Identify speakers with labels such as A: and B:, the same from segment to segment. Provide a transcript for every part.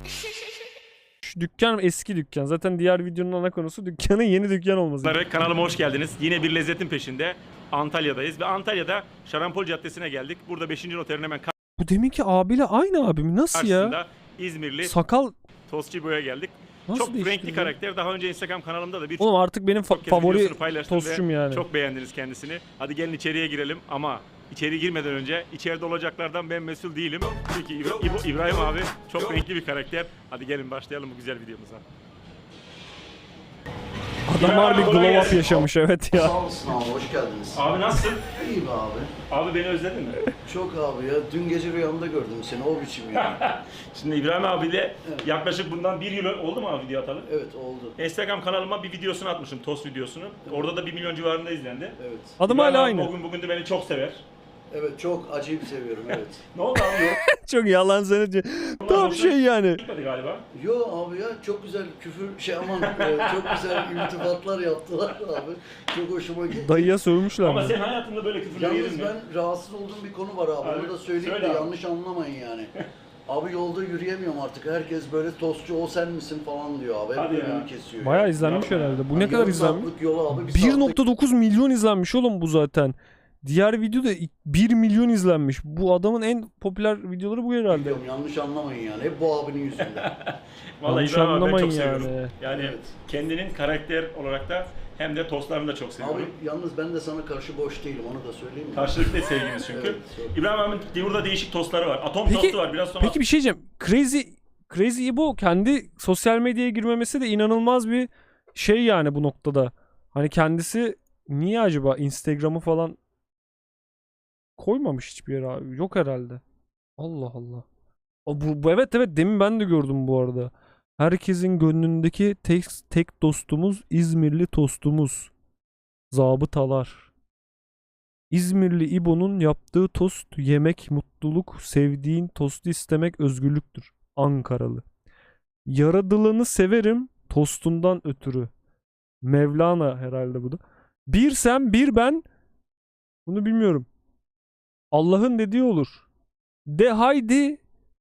A: Şu dükkan eski dükkan. Zaten diğer videonun ana konusu dükkanın yeni dükkan olması.
B: Kanalıma hoş geldiniz. Yine bir lezzetin peşinde Antalya'dayız ve Antalya'da Şarampol Caddesi'ne geldik. Burada 5. noterin hemen
A: Bu deminki abiyle aynı abi mi? Nasıl ya?
B: karşısında İzmirli
A: Sakal
B: Tostçu İbo'ya geldik.
A: nasıl
B: Çok
A: değişti
B: renkli
A: bu?
B: karakter. Daha önce Instagram kanalımda da bir
A: Oğlum artık benim
B: kez
A: favori
B: videosunu paylaştım ve
A: tostçum yani.
B: çok beğendiniz kendisini. Hadi gelin içeriye girelim ama içeri girmeden önce içeride olacaklardan ben mesul değilim. Çünkü İbrahim abi çok renkli bir karakter. Hadi gelin başlayalım bu güzel videomuza.
A: Adam harbi glow up yaşamış evet ya.
C: Sağ olasın abi, hoş geldiniz.
B: Abi nasılsın?
C: İyi be abi.
B: Abi beni özledin mi?
C: Çok abi ya, dün gece rüyamda gördüm seni, o biçim ya.
B: Şimdi İbrahim abiyle yaklaşık bundan 1 yıl oldu mu abi video atalım?
C: Evet, oldu.
B: Instagram kanalıma bir videosunu atmışım, tost videosunu. Orada da 1 milyon civarında izlendi.
C: Evet.
A: Adım
B: İbrahim
A: hala
B: abi
A: aynı.
B: Bugün de beni çok sever.
C: Evet, çok acayip seviyorum, evet.
B: Ne oldu abi? Yok.
A: Çok yalan söyledi. Tam şey yani.
B: Gitmedi galiba.
C: Yo abi ya, çok güzel küfür, çok güzel iltifatlar yaptılar abi. Çok hoşuma gitti.
A: Dayıya sövmüşler
B: Ama
A: mi?
B: sen hayatında böyle küfürler yedin
C: Yalnız
B: mi?
C: ben rahatsız olduğum bir konu var abi,
B: Abi,
C: onu da söyleyeyim
B: söyle
C: de
B: abi.
C: yanlış anlamayın yani. Abi yolda yürüyemiyorum artık, herkes böyle tostçu o sen misin falan diyor abi, hep
B: Hadi ya.
C: önümü kesiyor.
A: Bayağı
C: ya.
A: izlenmiş
B: Yapma
A: herhalde. Bu
C: Hani
A: ne kadar
C: yarım
A: izlenmiş?
C: saatlik yola abi, bir saatte
A: 1.9 milyon izlenmiş oğlum bu zaten. Diğer video da 1 milyon izlenmiş. Bu adamın en popüler videoları bu herhalde.
C: gidiyorum, yanlış anlamayın yani, hep bu abinin yüzünden.
B: Vallahi
A: Yanlış
B: İbrahim abi ben
A: anlamayın
B: çok seviyorum.
A: yani.
B: Yani
C: Evet.
B: kendinin karakter olarak da hem de tostlarını da çok seviyorum.
C: Abi yalnız ben de sana karşı boş değilim, onu da söyleyeyim mi?
B: Karşılıklı sevgimiz çünkü.
C: Evet, çok.
B: İbrahim abinin burada değişik tostları var. Atom
A: Peki-
B: tostu var. Biraz sonra
A: Peki bir şey diyeceğim. Crazy Ibo kendi sosyal medyaya girmemesi de inanılmaz bir şey yani bu noktada. Hani kendisi niye acaba Instagram'ı falan koymamış hiçbir yere abi. Yok herhalde. Allah Allah. Bu evet demin ben de gördüm bu arada. Herkesin gönlündeki tek dostumuz İzmirli tostumuz. Zabıtalar. İzmirli İbo'nun yaptığı tost yemek mutluluk, sevdiğin tostu istemek özgürlüktür. Ankaralı. Yaradılanı severim tostundan ötürü. Mevlana herhalde bu da. Bir sen bir ben. Bunu bilmiyorum. Allah'ın dediği olur. De haydi.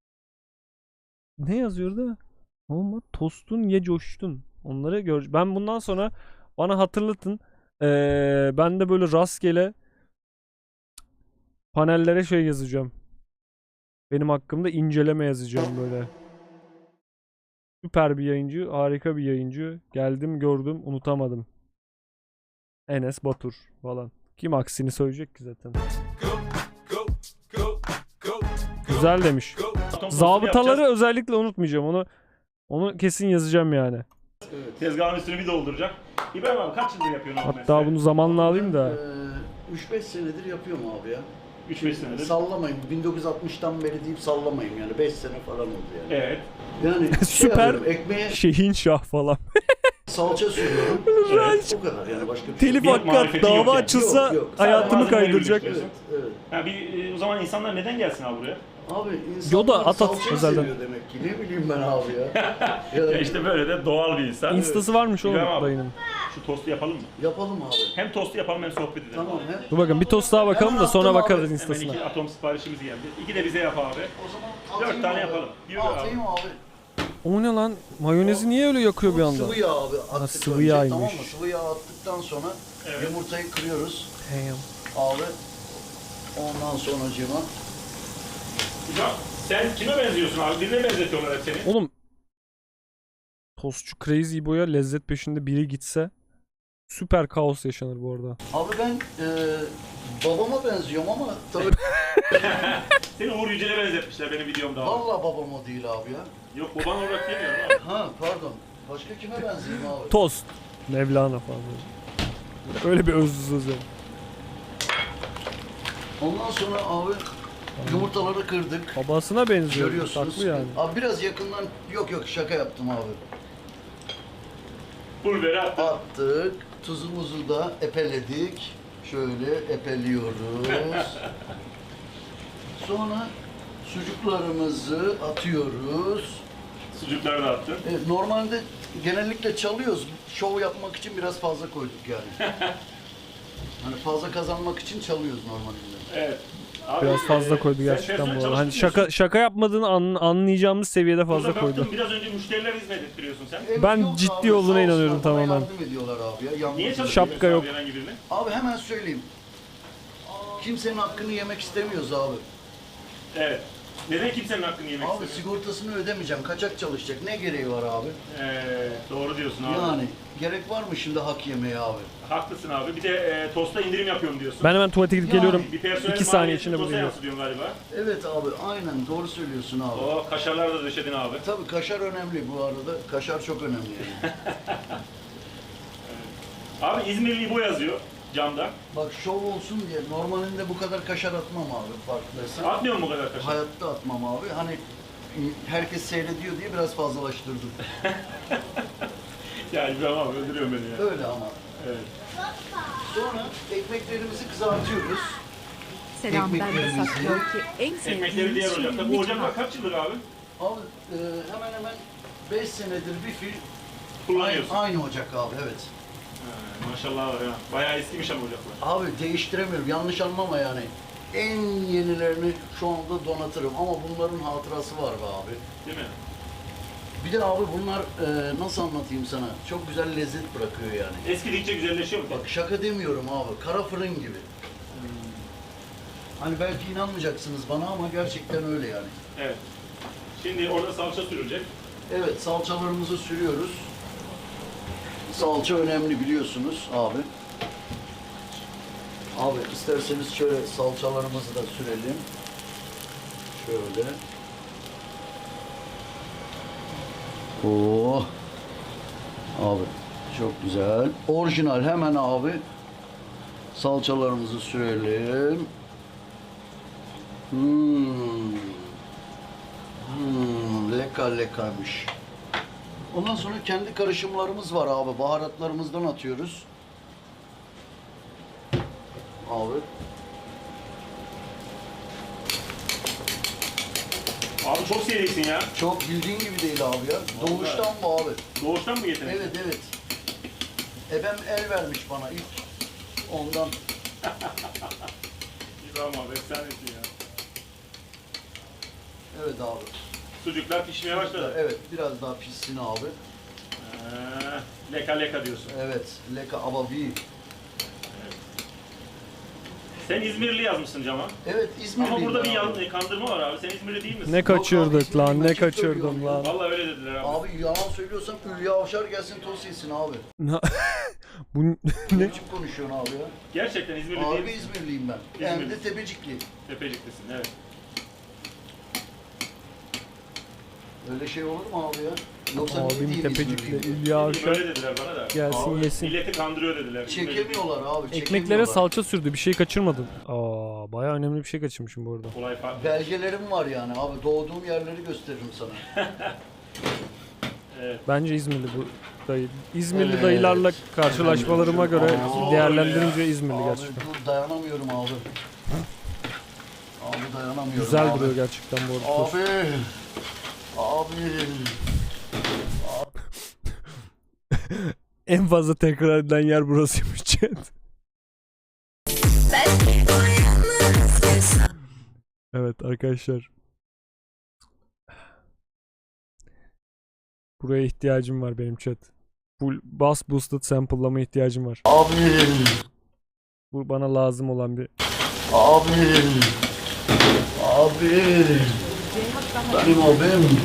A: Ne yazıyor da? Ama tostun ye coştun. Onları gör. Ben bundan sonra bana hatırlatın. Ben de böyle rastgele panellere şey yazacağım. Benim hakkımda inceleme yazacağım böyle. Süper bir yayıncı, harika bir yayıncı. Geldim, gördüm, unutamadım. Enes Batur falan. Kim aksini söyleyecek ki zaten. Güzel demiş.
B: atom tostunu
A: Zabıtaları
B: yapacağız.
A: özellikle unutmayacağım. Onu kesin yazacağım yani.
B: Tezgahın üstünü bir dolduracak. İbrahim abi kaç yıldır yapıyorsun abi
A: Hatta
B: mesleği?
A: bunu zamanla alayım da.
C: 3-5 senedir yapıyorum abi ya.
B: 3-5 senedir.
C: Sallamayın, 1960'tan beri deyip sallamayın yani, 5 sene falan oldu yani.
B: Evet.
C: Yani
A: Süper.
C: yapıyorum, ekmeğe
A: Şehin Şah falan.
C: salça sürüyorum.
B: Evet.
C: O kadar yani, başka bir şey
A: Telif
C: yok.
B: Bir
A: hakkı
B: marifeti yok
A: dava
B: yani.
A: açılsa
C: Yok, yok.
A: hayatımı
B: Sadece malzemeleri
A: kaydıracak.
B: birleştiriyorsun.
C: Evet, evet.
B: O zaman insanlar neden gelsin abi buraya?
C: Abi
A: Yoda,
C: insanlar
A: at
C: salçayı
A: özelden.
C: seviyor demek ki, ne bileyim ben abi ya.
B: Ya işte böyle de doğal bir insan.
A: Instası varmış oğlum
B: İbrahim abi,
A: dayının.
B: Şu tostu yapalım mı?
C: Yapalım abi.
B: Hem tostu yapalım hem sohbet edelim.
C: Tamam,
B: abi.
C: he.
A: Dur bakın bir tost daha bakalım da sonra
C: Hemen
A: bakarız
C: attım abi.
B: Hemen
A: instasına.
B: 2 atom siparişimiz geldi. 2 de bize yap abi.
C: O zaman
B: 4
C: atayım
B: tane
C: abi.
B: yapalım. Yürü abi.
C: Atayım abi.
A: O ne lan? Mayonezi niye öyle yakıyor bir anda?
C: Sıvı yağ abi attık
A: sıvı
C: önce,
A: yağymış.
C: tamam mı? Sıvı yağ attıktan sonra
B: Evet.
C: yumurtayı kırıyoruz
A: Damn.
C: abi. Ondan sonracığıma
B: İbrahim, sen kime benziyorsun abi? Birine benzetiyorlar hep seni.
A: Oğlum tostçu Crazy Boy'a lezzet peşinde biri gitse süper kaos yaşanır bu arada.
C: abi ben babama benziyorum ama tabii
B: Seni Uğur Yücel'e benzetmişler benim videomda abi.
C: vallahi babam o değil abi ya.
B: Yok baban olarak demiyorum abi.
C: Ha pardon. Başka kime benzeyeyim abi?
A: Tost. Mevlana falan. Öyle bir özlü söz yani.
C: Ondan sonra abi yumurtaları kırdık.
A: Babasına benziyor.
C: Görüyorsunuz.
A: Haklı yani.
C: Abi biraz yakından, yok şaka yaptım abi.
B: Pulveri attık.
C: Attık. Tuzumuzu da epeledik. Şöyle epeliyoruz. Sonra sucuklarımızı atıyoruz.
B: Sucukları da attın.
C: Normalde genellikle çalıyoruz. Şov yapmak için biraz fazla koyduk yani. Hani fazla kazanmak için çalıyoruz normalde.
B: Evet. Abi,
A: Biraz fazla koydu
B: sen
A: gerçekten
B: personel
A: bu arada. Hani
B: çalıştırmıyorsun.
A: şaka yapmadığını anlayacağımız seviyede
B: Burada
A: fazla koydu.
B: baktım, biraz önce müşteriler hizmet ettiriyorsun sen.
A: Ben
C: Yok
A: ciddi
C: abi,
A: olduğuna
C: sağ
A: inanıyorum
C: olsunlar, bana
A: tamamen.
C: yardım ediyorlar abi ya. Yalnız
B: Niye
C: değil.
B: çalıştırmıyorsun
A: Şapka yok.
B: abi herhangi birini?
C: Abi hemen söyleyeyim. Kimsenin hakkını yemek istemiyoruz abi.
B: Evet. Neden kimsenin hakkını yemek
C: Abi
B: istemiyor?
C: sigortasını ödemeyeceğim. Kaçak çalışacak. Ne gereği var abi?
B: Doğru diyorsun abi.
C: Yani gerek var mı şimdi hak yemeye abi?
B: Haklısın abi. Bir de tosta indirim yapıyorum diyorsun.
A: Ben hemen tuvalete gidip
C: Yani
A: geliyorum.
B: Bir personel
A: 2 saniye
B: maliyetini
A: içinde
B: tosta
A: buradayım.
B: yansıtıyorsun galiba.
C: Evet abi aynen doğru söylüyorsun abi.
B: O kaşarlar da döşedin abi.
C: Tabii kaşar önemli bu arada. Kaşar çok önemli yani.
B: Abi İzmirli İbo yazıyor camda.
C: Bak şov olsun diye normalinde bu kadar kaşar atmam abi farkındaysan.
B: Atmıyor mu bu kadar kaşar?
C: Hayatta atmam abi. Hani herkes seyrediyor diye biraz fazlalaştırdım.
B: Ya İbrahim abi öldürüyor beni ya.
C: Öyle ama.
B: Evet.
C: Sonra ekmeklerimizi kızartıyoruz.
D: Selam ben de
C: Ekmeklerimizi-
D: saklıyor ki en
B: Ekmekleri diğer
D: sevdiğim
B: ocakta. Bu ocaklar kaç yıldır abi?
C: Abi hemen hemen 5 senedir bir fil
B: Kullanıyorsun.
C: aynı ocak abi evet.
B: Ha, maşallah var ya. Bayağı eskimiş ama ocaklar.
C: Abi değiştiremiyorum yanlış anlama yani. En yenilerini şu anda donatırım ama bunların hatırası var be abi.
B: Değil mi?
C: Bir de abi bunlar nasıl anlatayım sana? Çok güzel lezzet bırakıyor yani.
B: Eskidikçe güzelleşiyor mu?
C: Bak şaka demiyorum abi. Kara fırın gibi. Hani belki inanmayacaksınız bana ama gerçekten öyle yani.
B: Evet. Şimdi orada salça sürülecek.
C: Evet salçalarımızı sürüyoruz. Salça önemli biliyorsunuz abi. Abi isterseniz şöyle salçalarımızı da sürelim. Şöyle. Oo. Abi çok güzel. Orijinal hemen abi. Salçalarımızı sürelim. Leka lekaymış. Ondan sonra kendi karışımlarımız var abi. Baharatlarımızdan atıyoruz. Abi.
B: Abi çok serisin ya.
C: Çok bildiğin gibi değil abi ya. Doğuştan bu abi.
B: Doğuştan mı getirdin?
C: Evet evet. Ebem el vermiş bana ilk. Ondan.
B: İbrahim abi efsanesin ya.
C: Evet abi.
B: Sucuklar pişmeye başladı.
C: Evet biraz daha pişsin abi.
B: Leka leka diyorsun.
C: Evet. Leka ababi.
B: Sen İzmirli yazmışsın cama.
C: Evet İzmirliyim
B: Ama burada bir
C: ben abi.
B: kandırma var abi. Sen İzmirli değil misin?
A: Ne kaçırdık
C: abi,
A: lan, ne
C: açık
A: kaçırdım
C: söylüyorum
A: lan.
B: Vallahi öyle dediler abi.
C: Abi yalan söylüyorsam Hülya Avşar gelsin tost yesin abi.
A: Bu
C: Ne
A: ne?
C: biçim konuşuyorsun abi ya?
B: Gerçekten İzmirli değil
C: Abi
B: misin?
C: İzmirliyim ben. Hem de Tepecikli.
B: Tepeciklisin evet.
C: Öyle şey olur mu abi ya? Yoksa niye
A: Abim
C: diyeyim
A: Tepecik'te
C: İzmirliyim?
A: Hülya Avşar
B: Öyle dediler bana da.
A: gelsin
C: Abi,
A: yesin.
B: Milleti kandırıyor dediler.
C: Çekemiyorlar abi.
A: Ekmeklere
C: çekemiyorlar.
A: salça sürdü. Bir şey kaçırmadın. Aa, bayağı önemli bir şey kaçırmışım bu arada.
B: Olay farklı.
C: Belgelerim var yani abi. Doğduğum yerleri gösteririm sana.
A: Bence İzmirli bu dayı. İzmirli
C: Evet.
A: dayılarla karşılaşmalarıma göre
C: Aa,
A: değerlendirince İzmirli
C: Abi
A: gerçekten.
C: dur dayanamıyorum abi. Abi dayanamıyorum
A: Güzel
C: abi.
A: duruyor gerçekten bu arada. tost.
C: Abi. Abi.
A: En fazla tekrar edilen yer burasıymış chat. Evet arkadaşlar. Buraya ihtiyacım var benim chat. Full bass boosted sample'lama ihtiyacım var.
C: Abi.
A: Bu bana lazım olan bir...
C: Abi. Abi. Benim abim.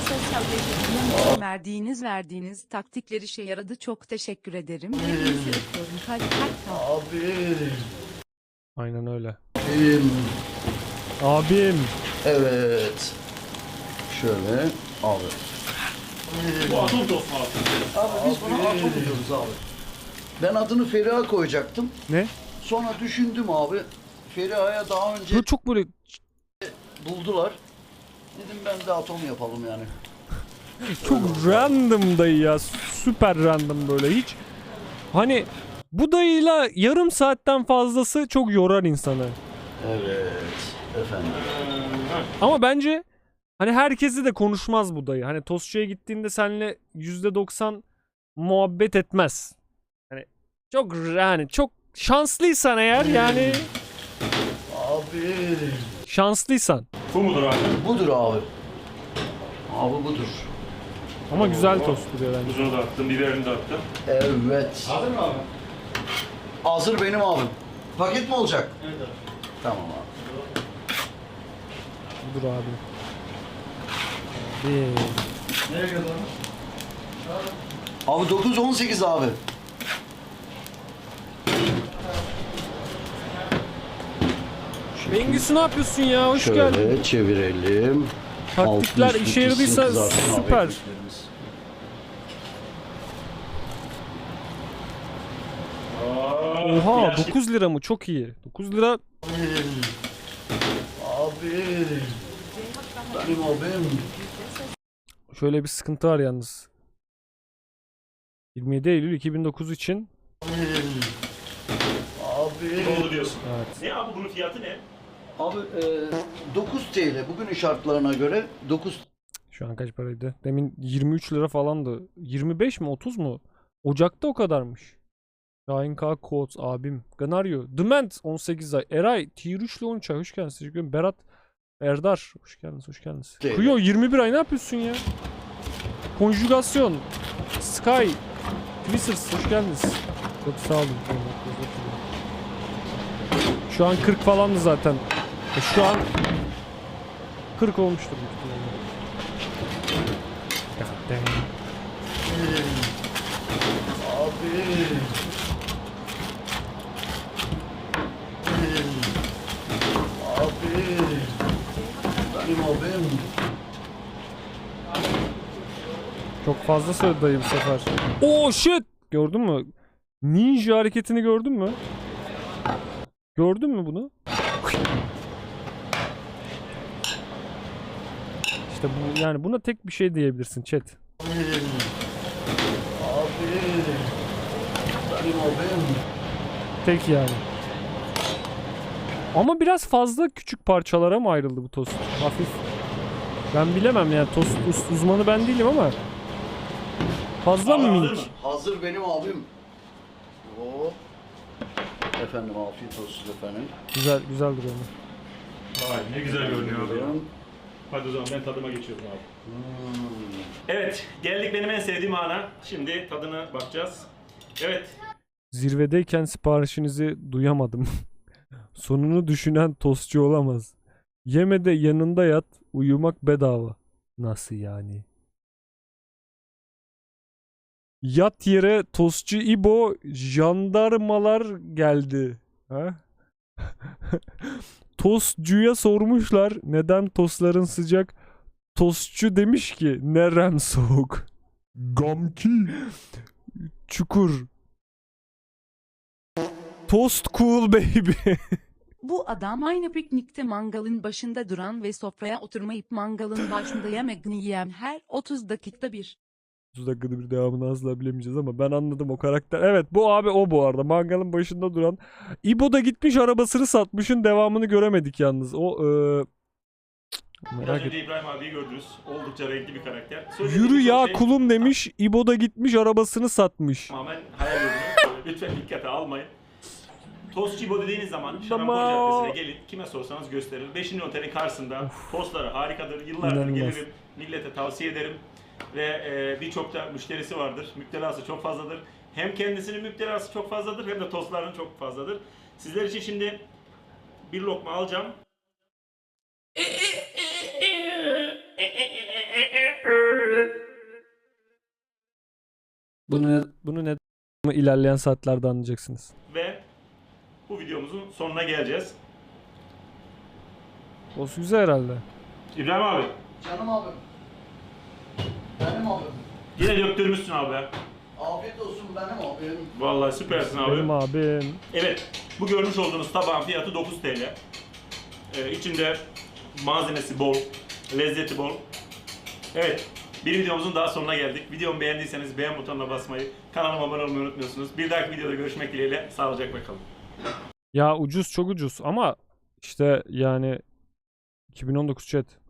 D: Verdiğiniz taktikler işe yaradı. Çok teşekkür ederim. Hepinizi öpüyorum. Kalp kalp.
C: Abi.
A: Aynen öyle.
C: Abim.
A: Abim.
C: Evet. Şöyle. Abi.
B: Bu atom tost mu abi?
C: Abi biz buna atom diyoruz abi. Ben adını Feriha koyacaktım.
A: Ne?
C: Sonra düşündüm abi. Feriha'ya daha önce
A: Bu çok böyle
C: buldular. Dedim ben de atom yapalım yani.
A: çok random dayı ya. Süper random böyle hiç. Hani bu dayıyla yarım saatten fazlası çok yorar insanı.
C: Evet. Efendim.
A: Ama bence hani herkesi de konuşmaz bu dayı. Hani tostçuya gittiğinde seninle %90 muhabbet etmez. Hani çok şanslıysan eğer yani
C: Abi. Abi.
A: Şanslıysan.
B: Bu mudur abi?
C: Budur abi. Abi budur.
A: Ama güzel tost duruyor bence.
B: Tuzunu da attım, biberini de attım.
C: Evet.
B: Hazır mı abi?
C: Hazır benim abim. Paket mi olacak? Evet abi. Tamam abi.
A: Dur abi. Abi.
C: Nereye kadar? Abi 9-18 abi.
A: Bengüsü ne yapıyorsun ya? Hoş geldin.
C: Şöyle çevirelim.
A: Taktikler
C: Altı üstü
A: işe yaradıysa
C: pişsin kızarsın abi
A: süper.
C: ekmeklerimiz.
A: Oha 9 lira mı? Çok iyi. 9 lira
C: Abi. Benim abim.
A: şöyle bir sıkıntı var yalnız. 27 Eylül 2009 için.
C: Abi.
B: Oldu diyorsun.
A: Evet.
B: Ne abi bunun fiyatı ne?
C: Abi 9 TL bugünün şartlarına göre 9
A: Şu an kaç paraydı? Demin 23 lira falandı. 25 mi 30 mu? Ocak'ta o kadarmış. Şahin K. Coates abim. Ganaryo. Dement 18 ay. Eray Tier 3 ile 13 ay. Hoş geldiniz. Teşekkür ederim. Berat Erdar. Hoş geldiniz. Hoş geldiniz.
C: Değil.
A: Kuyo 21 ay ne yapıyorsun ya? Konjugasyon. Sky. Twisters. Hoş geldiniz. Çok sağ olun. Şu an 40 falandı zaten. Şu an 40 olmuştur büyük ihtimalle. God damn.
C: abi. Abi. Benim abim.
A: Çok fazla söyledi dayı bu sefer. Oh shit! Gördün mü? Ninja hareketini gördün mü? Gördün mü bunu? İşte bu yani buna tek bir şey diyebilirsin chat.
C: Abi. Benim abim.
A: Tek yani. Ama biraz fazla küçük parçalara mı ayrıldı bu tost? Hafif. Ben bilemem yani tost uzmanı ben değilim ama. Fazla mı
B: Abi hazır
A: minik?
B: mı?
C: Hazır benim abim. Oo. Efendim afiyet olsun efendim.
A: Güzel güzel duruyor.
B: Vay ne güzel görünüyor abi ya.
C: Buyurun.
B: Hadi o zaman ben tadıma geçiyorum abi.
C: Hmm.
B: Evet, geldik benim en sevdiğim ana. Şimdi tadına bakacağız. Evet,
A: Zirvedeyken siparişinizi duyamadım. Sonunu düşünen tostçu olamaz. Yeme de yanında yat, uyumak bedava. Nasıl yani? Yat yere tostçu İbo, jandarmalar geldi. Ha? Tostçuya sormuşlar neden tostların sıcak. Tostçu demiş ki nerem soğuk. Gamki. Çukur. Toast cool baby.
D: Bu adam aynı piknikte mangalın başında duran ve sofraya oturmayıp mangalın başında yemekini yiyen her 30 dakikada bir.
A: 30 dakikada bir devamını asla bilemeyeceğiz ama ben anladım o karakter. Evet bu abi o bu arada. Mangalın başında duran. İbo da gitmiş arabasını satmışın devamını göremedik yalnız. O
B: biraz
A: merak
B: önce
A: et.
B: İbrahim abiyi gördünüz. Oldukça renkli bir karakter.
A: Yürü
B: birçok
A: ya
B: şey
A: kulum demiş. İbo da gitmiş arabasını satmış.
B: tamamen hayal ürünü. Lütfen dikkate almayın. Tostçu İbo dediğiniz zaman Şarampol Caddesi'ne gelin. Kime sorsanız gösterir. 5. otelin karşısında tostları harikadır. Yıllardır
A: İnanılmaz.
B: gelirim. Millete tavsiye ederim. Ve birçok da müşterisi vardır. Müptelası çok fazladır. Hem kendisinin müptelası çok fazladır hem de tostların çok fazladır. Sizler için şimdi bir lokma alacağım.
A: Bunu ne ilerleyen saatlerde anlayacaksınız.
B: Ve bu videomuzun sonuna geleceğiz.
A: O güzel herhalde.
B: İbrahim abi,
C: Canım abim. Benim abim.
B: yine döktürmüşsün abi.
C: Afiyet olsun benim abim.
B: Vallahi süpersin abi.
A: Benim abim.
B: Evet, bu görmüş olduğunuz tabağın fiyatı 9 TL. İçinde malzemesi bol, lezzeti bol. Evet, bir videomuzun daha sonuna geldik. Videomu beğendiyseniz beğen butonuna basmayı, kanalıma abone olmayı unutmuyorsunuz. Bir dahaki videoda görüşmek dileğiyle, sağlıcakla kalın.
A: Ya ucuz çok ucuz ama işte yani 2019 chat.